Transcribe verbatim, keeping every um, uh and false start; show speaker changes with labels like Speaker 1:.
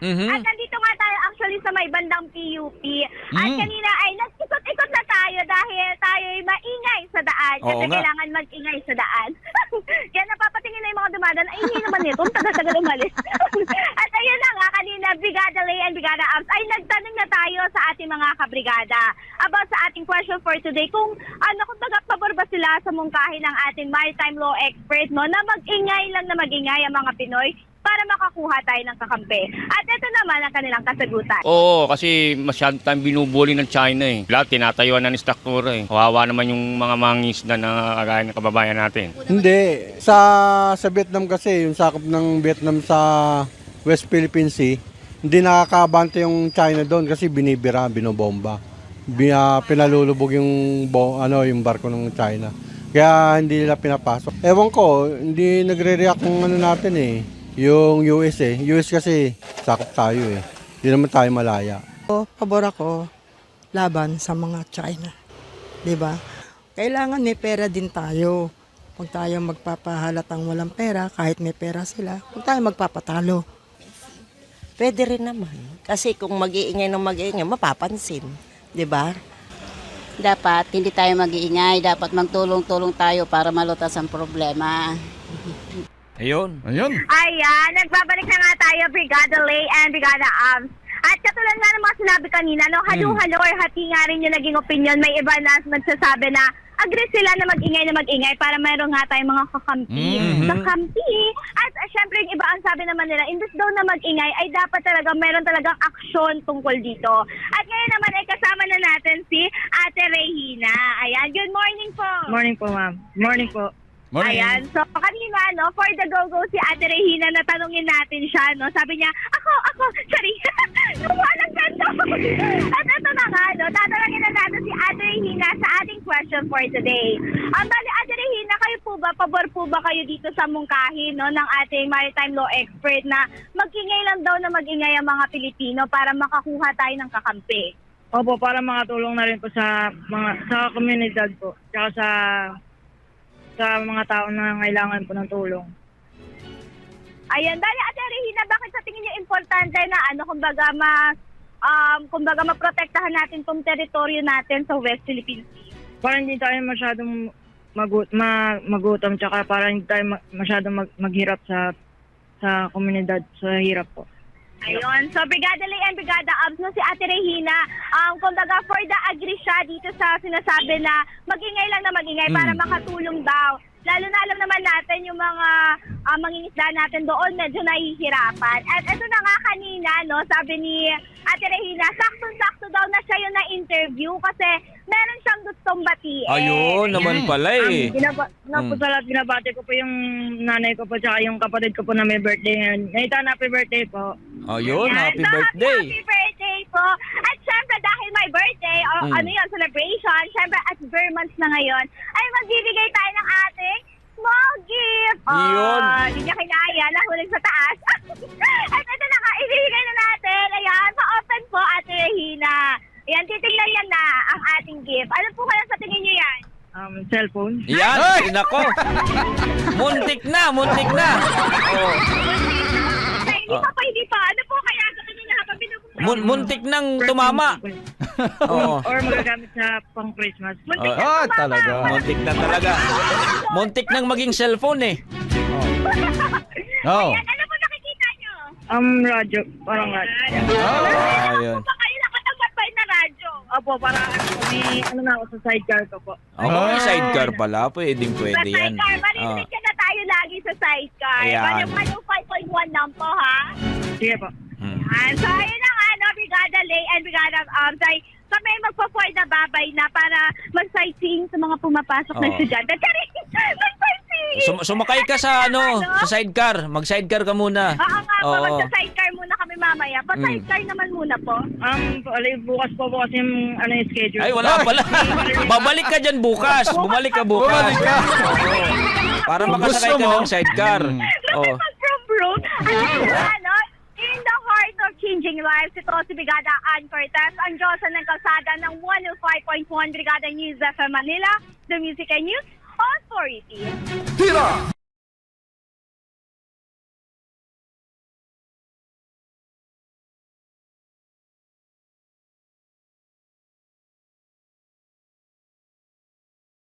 Speaker 1: Mm-hmm.
Speaker 2: At nandito nga tayo actually sa may bandang P U P. At
Speaker 1: Mm.
Speaker 2: kanina ay nag-ikot-ikot na tayo dahil tayo ay maingay sa daan. Kasi
Speaker 1: Oo nga.
Speaker 2: kailangan mag-ingay sa daan. Kaya napapatingin na yung mga dumadaan, ay hindi naman ito, ang tagal-tagal umalis. At ayun na nga, kanina, Brigada Lay and Brigada Abs, ay nagtanong na tayo sa ating mga kabrigada about sa ating question for today kung ano, kung pabor ba sila sa mungkahi ng ating maritime law expert, no, na mag-ingay lang na mag-ingay ang mga Pinoy para makakuha tayo ng kakampi. At ito naman ang kanilang kasagutan.
Speaker 1: Oo, kasi masyadong tayong binubuli ng China eh. Lahat tinatayuan ng struktura eh. Kawawa naman yung mga mangisda na kagaya ng kababayan natin.
Speaker 3: Hindi. Sa sa Vietnam kasi, yung sakop ng Vietnam sa West Philippine Sea, hindi nakakabante yung China doon kasi binibira, binobomba. Bi, ah, pinalulubog yung, bo, ano, yung barko ng China. Kaya hindi nila pinapasok. Ewan ko, hindi nagre-react ng ano natin eh. Yung U S eh. U S kasi sakop tayo eh. Hindi naman tayo malaya.
Speaker 4: O, pabor ako laban sa mga China. 'Di ba? Kailangan may pera din tayo. Huwag tayo magpapahalatang walang pera, kahit may pera sila, huwag tayo magpapatalo.
Speaker 5: Pwede rin naman. Kasi kung mag-iingay ng mag-iingay, mapapansin. 'Di ba?
Speaker 6: Dapat hindi tayo mag-iingay, dapat magtulong-tulong tayo para malutas ang problema.
Speaker 1: Ayun.
Speaker 7: Ayun.
Speaker 2: Ayan, nagbabalik na nga tayo, Brigada Lay and Brigada Abs. At katulad nga ng mga sinabi kanina, no, halo-halo or hati nga rin yung naging opinion. May iba na nagsasabi na agree sila na mag-ingay na mag-ingay para mayroon nga tayong mga kakampi.
Speaker 1: Mhm.
Speaker 2: Kakampi. At uh, syempre yung iba ang sabi naman nila, imbes daw na mag-ingay ay dapat talaga mayroon talagang aksyon tungkol dito. At ngayon naman ay kasama na natin si Ate Regina. Ayan, good morning po.
Speaker 8: Morning po, ma'am. Morning po.
Speaker 7: Morning.
Speaker 2: Ayan, so kanina, no, for the go-go si Ate Regina, natanungin natin siya, no, sabi niya, ako, ako, sorry, gumawa ng ganito. At ito na nga, no, tatanungin na natin si Ate Regina sa ating question for today. Ang bali, Ate Regina, kayo po ba, pabor po ba kayo dito sa mungkahi, no, ng ating maritime law expert na mag-ingay lang daw na mag-ingay ang mga Pilipino para makakuha tayo ng kakampi?
Speaker 8: Opo, para makatulong na rin po sa mga sa komunidad po, tsaka sa sa mga tao na kailangan po ng tulong.
Speaker 2: Ayan, dali Ate Regina, bakit sa tingin niyo importante na ano, kumbaga ma um kumbaga maprotektahan natin tong teritoryo natin sa West Philippine Sea?
Speaker 8: Para hindi tayo masyadong magut ma magutom, tsaka para hindi tayo ma masyadong mag maghirap sa sa komunidad, sa hirap po.
Speaker 2: Ayun, so Brigada Lay and Brigada Abs, no, si Ate Regina, um, kumbaga for the agree siya dito sa sinasabi na mag-ingay lang na mag-ingay
Speaker 1: Mm.
Speaker 2: para makatulong daw. Lalo na alam naman natin yung mga uh, mangingisda natin doon medyo nahihirapan. At ito na nga kanina, no, sabi ni Ate Regina, saktong-sakto daw na siya yung na-interview kasi meron siyang gustong batiin.
Speaker 1: Ayun naman pala eh.
Speaker 8: Um, binaba na po
Speaker 1: Mm.
Speaker 8: sa lahat, binabati ko po yung nanay ko po, tsaka yung kapatid ko po na may birthday ngayon. Ngayon, happy birthday po.
Speaker 1: Ayun,
Speaker 2: Ayan.
Speaker 1: happy
Speaker 2: So,
Speaker 1: birthday.
Speaker 2: Happy, happy birthday po. At syempre dahil my birthday, o
Speaker 1: Mm.
Speaker 2: ano yun, celebration, syempre at bare months na ngayon, ay magbibigay tayo ng ating small gift.
Speaker 1: Yun.
Speaker 2: Oh, hindi niya kinaya, nahulog sa taas. At ito na nga, ibibigay na natin. Ayan, pa-open po, Ate Regina. Ayan, titignan niya na ang ating gift. Ano po kaya sa tingin niyo yan?
Speaker 8: Um, cellphone.
Speaker 1: Yan, ay, nako. Muntik na, muntik na. Oh.
Speaker 2: Ay, hindi pa pa, hindi pa. Ano po kaya sa tingin niya habang binubuksan?
Speaker 1: Mun- muntik nang tumama. Oo.
Speaker 8: Or magagamit sa pang Christmas.
Speaker 2: Muntik
Speaker 1: Ah,
Speaker 2: na
Speaker 7: ah,
Speaker 2: tumama.
Speaker 7: talaga.
Speaker 1: Muntik na talaga. Muntik nang maging cellphone eh.
Speaker 7: Oh.
Speaker 2: Ayan, ano po nakikita niyo?
Speaker 8: Um, radyo. Parang radyo.
Speaker 1: Ah, ayun.
Speaker 2: Ano ba kayo nakatambay na radyo?
Speaker 8: Opo, para may ano na ako sa sidecar ko po.
Speaker 1: Ako may sidecar pala, pwedeng pwede
Speaker 2: Sa
Speaker 1: yan.
Speaker 2: sidecar,
Speaker 1: Ah.
Speaker 2: marinig ka na tayo lagi sa sidecar.
Speaker 1: Ayan.
Speaker 2: Ano five point one lang po, ha?
Speaker 8: Sige po.
Speaker 1: Hmm.
Speaker 2: Ayan. So, ayun na nga, no, Brigada Lay and Brigada um, say, kami magpo-for the babay na para mag-sightseeing sa mga pumapasok na
Speaker 1: Oo.
Speaker 2: estudyante. Charing! Mag-sightseeing!
Speaker 1: Sum- sumakay ka sa ano, sa sidecar. Mag-sidecar ka muna.
Speaker 2: Oo nga po,
Speaker 1: Oo.
Speaker 2: magsa-sidecar muna kami mamaya. Pa-sidecar naman muna po.
Speaker 8: Um, alay, bukas po po kasi yung ano yung schedule.
Speaker 1: Ay, wala pala. Babalik ka dyan bukas. Bumalik ka bukas.
Speaker 7: Bumalik ka.
Speaker 1: Oo. Para makasakay ka
Speaker 7: Gusto mo?
Speaker 1: ng sidecar. Oo.
Speaker 2: Lumipad from room. Ano, ano, in the heart of changing lives, ito si Brigada Ann Cortez, ang Diyosa ng Kalsada ng one oh five point one Brigada News sa Manila, the Music and News Authority.
Speaker 7: Tira!